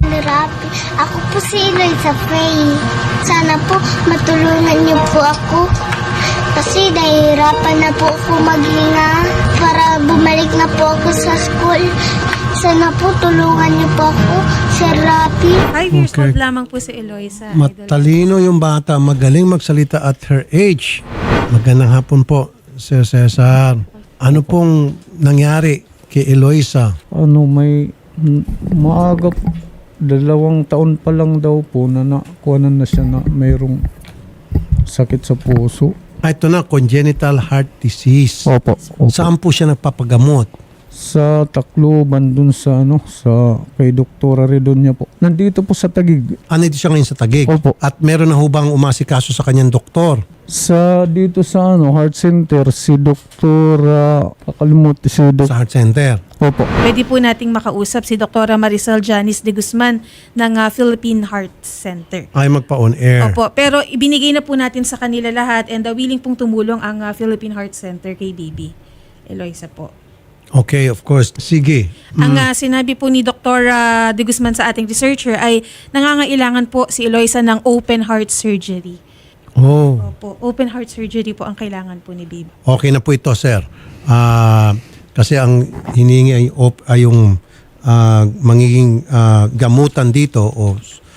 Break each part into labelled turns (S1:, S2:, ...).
S1: ni Rapi. Ako po si Eloisa Faye. Sana po matulungan niyo po ako. Kasi nahihirapan na po ako maghinga para bumalik na po ako sa school. Sana po tulungan niyo po ako, Sir Rapi.
S2: 5 years
S3: Okay.
S2: old lamang po si Eloisa.
S3: Matalino yung bata, magaling magsalita at her age. Magandang hapon po, Sir Cesar. Ano pong nangyari kay Eloisa?
S4: Maaga, 2 taon pa lang daw po na nakuhanan na siya na mayroong sakit sa puso.
S3: Ito na, congenital heart disease.
S4: Opo.
S3: Saan po siya nagpapagamot?
S4: Sa Tacloban dun sa kay Doktora Redonia po. Nandito po sa Taguig.
S3: Dito siya ngayon sa Taguig.
S4: Opo.
S3: At meron na hubang umasikaso sa kanyang doktor.
S4: Dito sa Heart Center si Doktor kakalimutan si
S3: Sa heart center.
S4: Opo.
S2: Pwede po nating makausap si Dr. Marisol Janice de Guzman ng Philippine Heart Center.
S3: Ay magpa-on air.
S2: Opo, pero ibinigay na po natin sa kanila lahat and willing pong tumulong ang Philippine Heart Center kay baby Eloisa po.
S3: Okay, of course. Sige.
S2: Ang sinabi po ni Dr. de Guzman sa ating researcher ay nangangailangan po si Eloisa ng open heart surgery.
S3: Oh,
S2: Opo, open heart surgery po ang kailangan po ni baby.
S3: okay na po ito, sir. Kasi ang hinihingi ay yung magiging gamutan dito o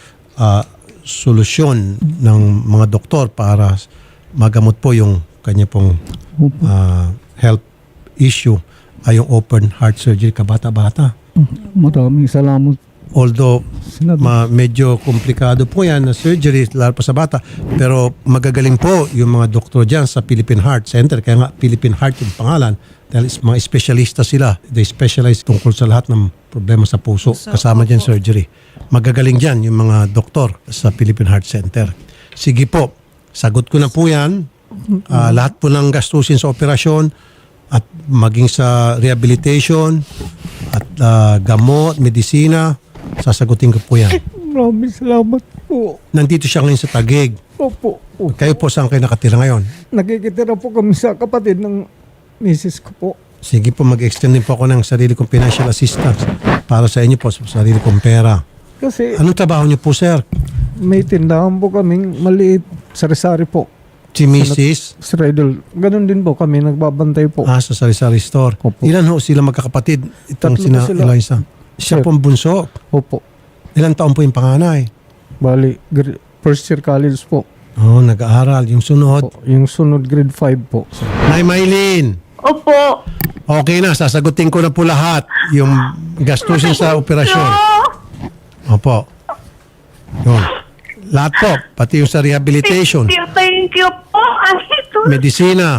S3: solusyon ng mga doktor para magamot po yung kanya pong health issue ay yung open heart surgery kabata-bata.
S4: Maraming salamat.
S3: Although medyo komplikado po yan na surgery lalo pa sa bata, pero magagaling po yung mga doktor dyan sa Philippine Heart Center. Kaya nga Philippine Heart yung pangalan dahil mga espesyalista sila. They specialize tungkol sa lahat ng problema sa puso. Kasama dyan surgery. Magagaling dyan yung mga doktor sa Philippine Heart Center. Sige po, sagot ko na po yan. Lahat po ng gastusin sa operasyon at maging sa rehabilitation at gamot, medisina, sasagutin ko po yan.
S4: Maraming salamat po.
S3: Nandito siya ngayon sa Taguig.
S4: Opo.
S3: Kayo po saan kayo nakatira ngayon?
S4: Nakikitira po kami sa kapatid ng misis ko po.
S3: Sige po, mag-extend din po ako ng sarili kong financial assistance para sa inyo po, sa sarili kong pera.
S4: Kasi
S3: Anong trabaho niyo po, sir?
S4: may tindahan po kaming maliit sari-sari po.
S3: Si Mrs.
S4: Sa Redol. Ganun din po kami, nagbabantay po.
S3: Sa sari-sari store.
S4: Opo.
S3: Ilan ho sila magkakapatid? Itong
S4: 3
S3: sina
S4: po sila.
S3: Eloisa. Siya
S4: Sir.
S3: pong bunso.
S4: Opo.
S3: Ilang taon po yung panganay?
S4: Bali, first year college po.
S3: Nag-aaral. Yung sunod.
S4: Yung sunod grade 5 po.
S3: Nay Maylin.
S5: Opo.
S3: Okay na, sasagutin ko na po lahat yung gastusin sa operasyon. Opo. Yun. Lahat po, pati yung sa rehabilitation,
S5: Thank you po.
S3: medisina.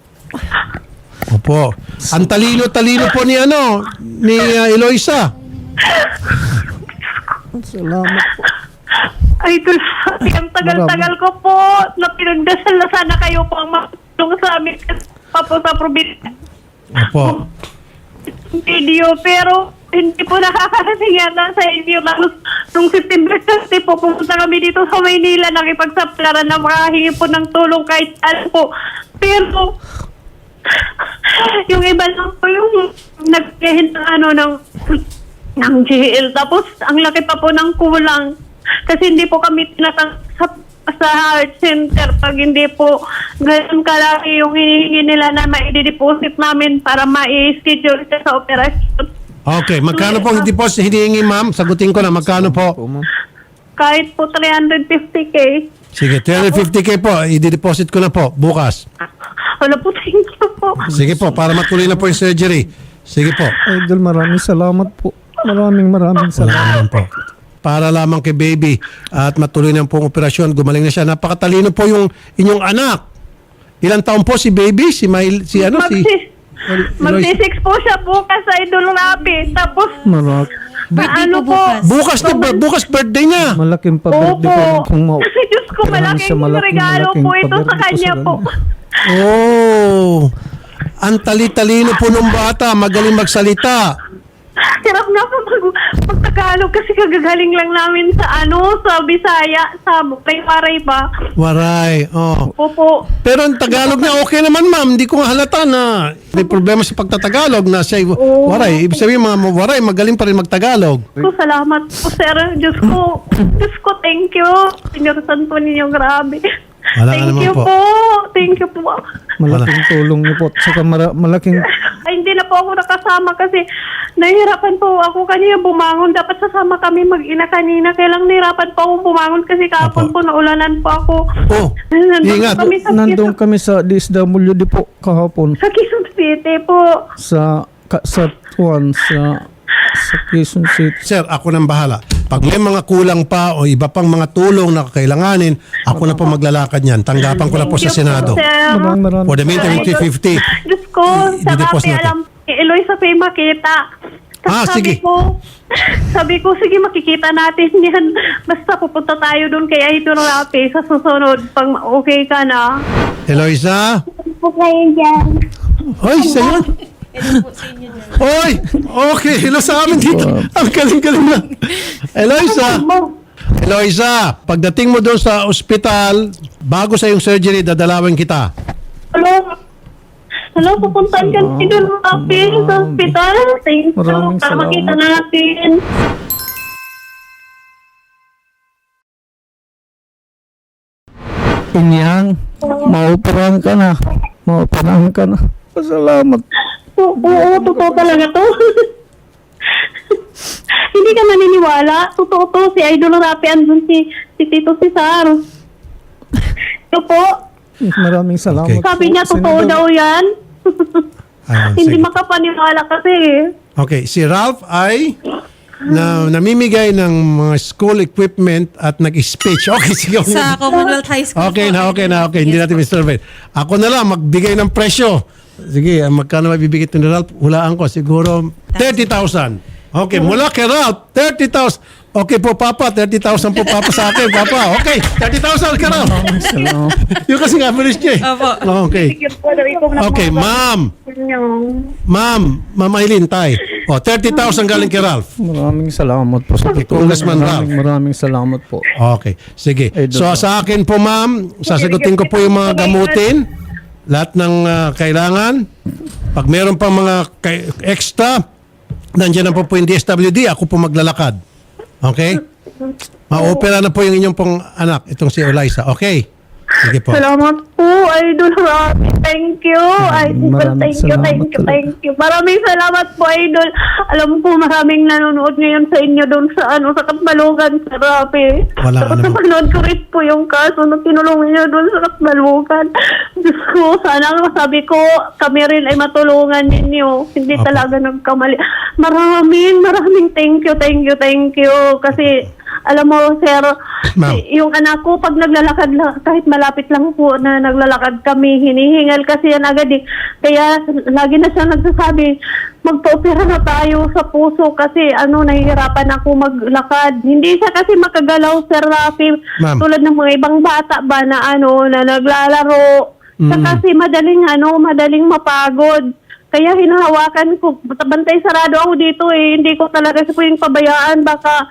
S3: Opo. Ang talino-talino po ni Eloisa.
S4: Salamat po.
S5: Idol, ang tagal-tagal ko po na pinagdasal na sana kayo po ang matulong sa amin pa po sa probinsya.
S3: Opo.
S5: Video, pero hindi po nakakarating yata sa inyo. Nung September 30 po, pumunta kami dito sa Maynila, nakipagsaplaran na makahingi po ng tulong kahit saan po. Pero, yung iba lang po yung nagkahin ng GL. Tapos, ang laki pa po ng kulang. Kasi hindi po kami tinatang sa heart center pag hindi po ganun kalaki yung hinihingi nila na ma-deposit namin para ma-schedule siya sa operasyon.
S3: Okay, magkano po hindi po hinihingi, ma'am? Sagutin ko na, magkano po?
S5: Kahit po 350K.
S3: Sige, 350K po, i-deposit ko na po, bukas.
S5: Wala po, thank you po.
S3: Sige po, para matuloy na po yung surgery. Sige po.
S4: Idol, maraming salamat po. Maraming
S3: Wala
S4: salamat.
S3: naman po. Para lamang kay baby at matuloy na pong operasyon, gumaling na siya. Napakatalino po yung inyong anak. Ilang taon po si baby? Eloisa?
S5: Magsi-6 po siya bukas sa Idol Rapi. Tapos,
S2: Birthday
S5: ano
S2: po
S5: po?
S3: Bukas birthday niya.
S4: Malaking pa-birthday
S5: Opo.
S4: ko kung
S5: Diyos ko, malaking regalo po ito sa kanya po.
S3: Oh, ang tali-talino po ng bata, magaling magsalita.
S5: Hirap na po mag-Tagalog kasi kagagaling lang namin sa sa Bisaya, sa Waray ba?
S3: Waray. Oh.
S5: Opo.
S3: Pero ang Tagalog niya okay naman, ma'am. Hindi ko nga halata na may problema sa pagtatagalog na siya Waray. Ibig sabihin mga Waray, magaling pa rin magtagalog.
S5: So, salamat po, sir. Diyos ko, thank you. Pinursan po ninyo, grabe.
S3: Wala ka
S5: Thank
S3: naman
S5: you
S3: po.
S5: po. Thank you po.
S4: Malaking tulong niyo po. Saka malaking
S5: Ay, hindi na po ako nakasama kasi nahihirapan po ako kanina bumangon. Dapat sasama kami mag-ina kanina. Kaya lang nahihirapan po ako bumangon kasi kahapon
S3: Apo.
S5: po naulanan po ako.
S3: Oh, ingat.
S4: nandun kami sa DSWD po kahapon
S5: Sa Quezon City po.
S4: sa Quezon City.
S3: Sir, ako nang bahala. Pag may mga kulang pa o iba pang mga tulong na kakailanganin, ako na po maglalakad niyan. Tanggapan ko na po sa Senado.
S5: Sir.
S4: Maraming
S3: For the meantime, 50-50.
S5: Diyos ko, sa
S3: I-deposit
S5: kape
S3: natin.
S5: alam, Eloisa pa makita. Tapos
S3: sige.
S5: Sabi ko, sige makikita natin yan. Basta pupunta tayo doon kay Idol Rapi sa susunod. Pag okay ka na.
S3: Eloisa?
S1: Po kayo dyan.
S3: Oy, sa'yo? Oy, okay. Hello sa amin dito. Ang galing-galing na. Eloisa, pagdating mo doon sa ospital, bago sa yung surgery, dadalawin kita.
S5: Hello, pupuntahan ka si Idol Rapi sa hospital. Thank you.
S4: Maraming
S5: Para
S4: salamat.
S5: makita natin.
S4: Inyang, maoperahan ka na. Maoperahan ka na. Pasalamat.
S5: Oo, totoo talaga to. Hindi ka naniniwala. Totoo to. Si Idol Rapi andun si Tito Cesar. Ito po.
S4: Maraming salamat.
S3: Okay.
S5: Sabi niya,
S4: po,
S5: totoo
S4: Senador.
S5: daw yan.
S3: Ayun,
S5: Hindi
S3: sige.
S5: makapaniwala kasi.
S3: Okay, si Ralph ay namimigay ng mga school equipment at nag-speech. Okay, sige.
S2: Sa Commonwealth High School
S3: Okay
S2: po.
S3: na. Hindi natin misurvey. Ako na lang, magbigay ng presyo. Sige, magkano mabibigay ito ni Ralph? Hulaan ko, siguro 30,000. Okay, mula kay Ralph, 30,000. Okay po, Papa, 30,000 po, Papa, sa akin, Papa. Okay, 30,000 ka Ralph.
S4: Salamat.
S3: Yung kasi nga, bilis niya eh.
S2: Opo.
S3: Okay.
S5: Sige po, daw ikaw na
S3: Okay, ma'am. Ma'am Aileen, tay. O, 30,000 galing kay Ralph.
S4: Maraming salamat po sa
S3: Congressman Ralph.
S4: Maraming salamat po.
S3: Okay, sige.
S4: Idol
S3: So
S4: Ralph.
S3: sa akin po ma'am, sasagutin ko po yung mga gamutin, lahat ng kailangan. Pag meron pang mga extra, nandiyan na po yung DSWD, ako po maglalakad. Okay? Ma-opera na po yung inyong pong anak, itong si Eloisa. Okay? Sige po.
S5: Salamat po, Idol Rapi. Thank you. Idol,
S4: Maraming
S5: thank you, thank you,
S4: salamat.
S5: thank you. Maraming salamat po, Idol. Alam ko maraming nanonood ngayon sa inyo doon sa sa Katmalugan, sa Rapi.
S3: Wala ka
S5: Tapos
S3: naman.
S5: napanood ko rin po yung kaso na tinulungan niyo doon sa Katmalugan. Diyos ko, sana sabi ko, kami rin ay matulungan ninyo. Hindi
S3: Opo.
S5: talaga nagkamali. Maraming thank you. Kasi, alam mo, sir,
S3: Ma'am.
S5: yung anak ko, pag naglalakad lang, kahit malapit lang po na naglalakad kami, hinihingal kasi yan agad eh. Kaya lagi na siya nagsasabi, magpa-opera na tayo sa puso kasi nahihirapan ako maglakad. Hindi siya kasi makagalaw, Sir Rafi.
S3: Ma'am.
S5: Tulad ng mga ibang bata ba na na naglalaro. Siya kasi madaling mapagod. Kaya hinahawakan ko, bantay sarado ako dito eh. Hindi ko talaga siya pwedeng pabayaan. Baka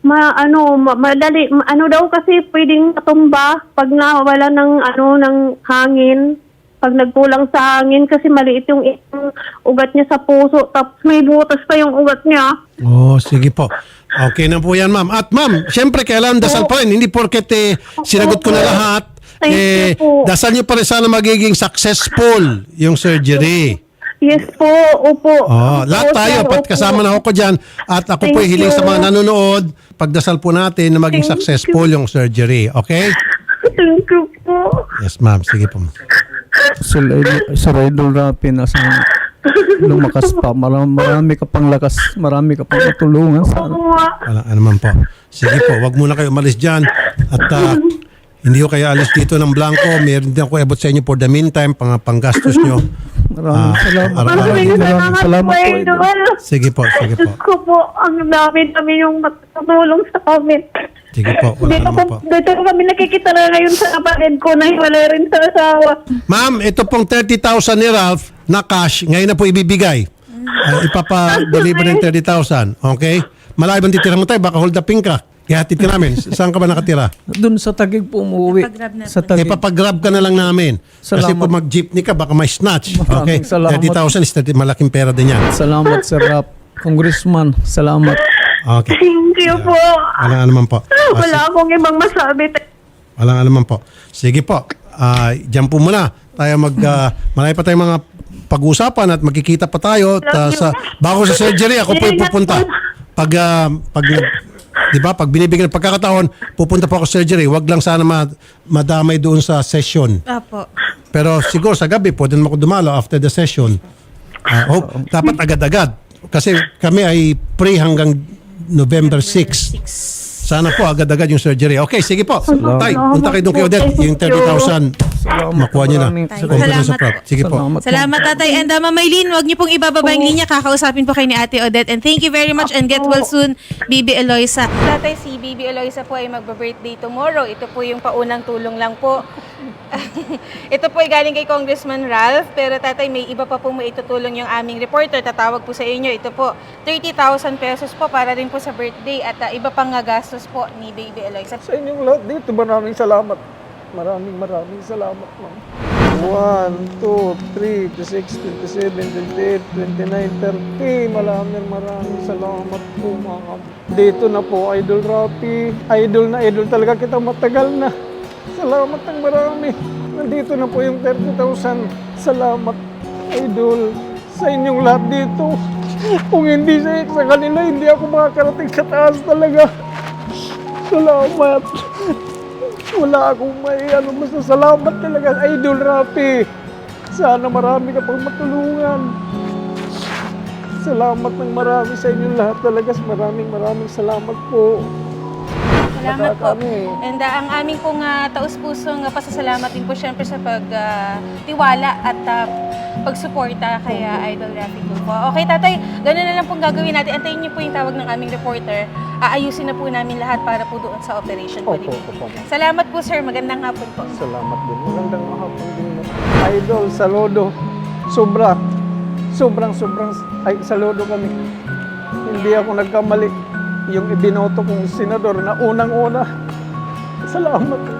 S5: madali daw kasi pwedeng matumba pag nawala ng hangin, pag nagkulang sa hangin kasi maliit yung ugat niya sa puso, tapos may butas pa yung ugat niya.
S3: Oh, sige po. Okay na po yan, ma'am. At ma'am, syempre kailangan dasal pa rin. Hindi porket sinagot ko na lahat.
S5: Thank you po.
S3: Dasal niyo pa rin sana magiging successful yung surgery.
S5: Yes po, opo.
S3: Lahat tayo, pat kasama na ako dyan. At ako po
S5: Thank
S3: hiling sa
S5: you.
S3: mga nanonood, pagdasal po natin na maging
S5: Thank
S3: successful yung surgery. Okay?
S5: Thank you po.
S3: Yes, ma'am. Sige po.
S4: Sir Idol Rapi, nasa lumakas pa. Marami ka pang lakas. Marami ka pang matulungan. Sana.
S5: Oo nga.
S3: Wala naman po. Sige po, wag muna kayo umalis dyan. At hindi ko kayo alis dito ng blanco. Meron din ako ebot sa inyo for the meantime, panggastos nyo.
S4: Maraming salamat.
S5: Maraming salamat po, Idol.
S3: Sige po, sige po.
S5: Diyos ko po, ang dami yung matutulong sa amin.
S3: Sige po, wala naman po.
S5: Dito ko kami nakikita na ngayon sa kapatid ko na hiwalay rin sa asawa.
S3: Ma'am, ito pong 30,000 ni Ralph na cash, ngayon na po ibibigay. ipapa-deliver ng 30,000. Okay? Malayo bang titira mo tayo? Baka hold upin ka. Ihatid ka namin. Saan ka ba nakatira?
S4: Doon sa Taguig po umuwi.
S2: Ipagrab na
S4: Sa
S2: po.
S4: Taguig.
S3: Ipapagrab ka na lang namin. Kasi
S4: Salamat.
S3: kung mag-jeepney ka, baka may snatch. Okay?
S4: Maraming salamat.
S3: 30,000 is malaking pera din yan.
S4: Salamat, Sir Rap. Congressman, salamat.
S3: Okay.
S5: Thank you po.
S3: Wala naman po.
S5: Wala akong ibang masabi.
S3: Wala naman po. Sige po. Diyan po muna. Tayo marami pa tayong mga pag-uusapan at magkikita pa tayo. Bago sa surgery, ako po yung pupunta. Pag di ba, pag binibigyan ng pagkakataon, pupunta po ako sa surgery. Wag lang sana madamay doon sa session.
S2: Apo.
S3: Pero siguro sa gabi, pwede naman ako dumalo after the session. Dapat agad-agad. Kasi kami ay pre hanggang November 6. Sana po agad-agad yung surgery. Okay, sige po. Tay, punta kayo doon kay Odette. Yung 30,000, makuha niyo na.
S4: Maraming
S3: Compliments
S2: salamat
S3: of prop. Sige po.
S2: Salamat, Tatay. And Ma'am Maylene, huwag niyo pong ibababa yung linya. Kakausapin po kayo ni Ate Odette. And thank you very much and get well soon, Bibi Eloisa. Tatay, si Bibi Eloisa po ay magbe-birthday tomorrow. Ito po yung paunang tulong lang po. Ito po ay galing kay Congressman Ralph. Pero Tatay, may iba pa po mo itutulong yung aming reporter. Tatawag po sa inyo. Ito po, 30,000 pesos po para rin po sa birthday. At iba pang gastos po ni Baby Eloisa.
S4: Sa inyong lahat dito, maraming salamat. Maraming salamat, ma'am. 1, 2, 3, 26, 27, 28, 29, 30. Maraming salamat po, ma'am. Dito na po, Idol Rapi. Idol na idol talaga kita, matagal na. Salamat ng marami. Nandito na po yung 30,000. Salamat, Idol, sa inyong lahat dito. Kung hindi sa kanila, hindi ako makakarating sa taas talaga. Salamat. Wala akong masasalamat talaga, Idol Rapi. Sana marami ka pang matulungan. Salamat ng marami sa inyong lahat talaga. Maraming salamat po.
S2: Salamat po.
S4: Kami.
S2: And ang aming pong taus-pusong pasasalamat din po syempre sa pagtiwala at pagsuporta kay Idol Rafi Tulfo. Okay, Tatay, gano'n na lang pong gagawin natin. Antayin niyo po yung tawag ng aming reporter. Aayusin na po namin lahat para po doon sa operation po.
S4: Opo.
S2: Salamat po, sir. Magandang hapon po.
S4: Salamat din. Magandang hapon din. Idol, saludo. Sobrang saludo kami. Hindi ako nagkamali. Yung ibinoto kong senador na unang-una. Salamat.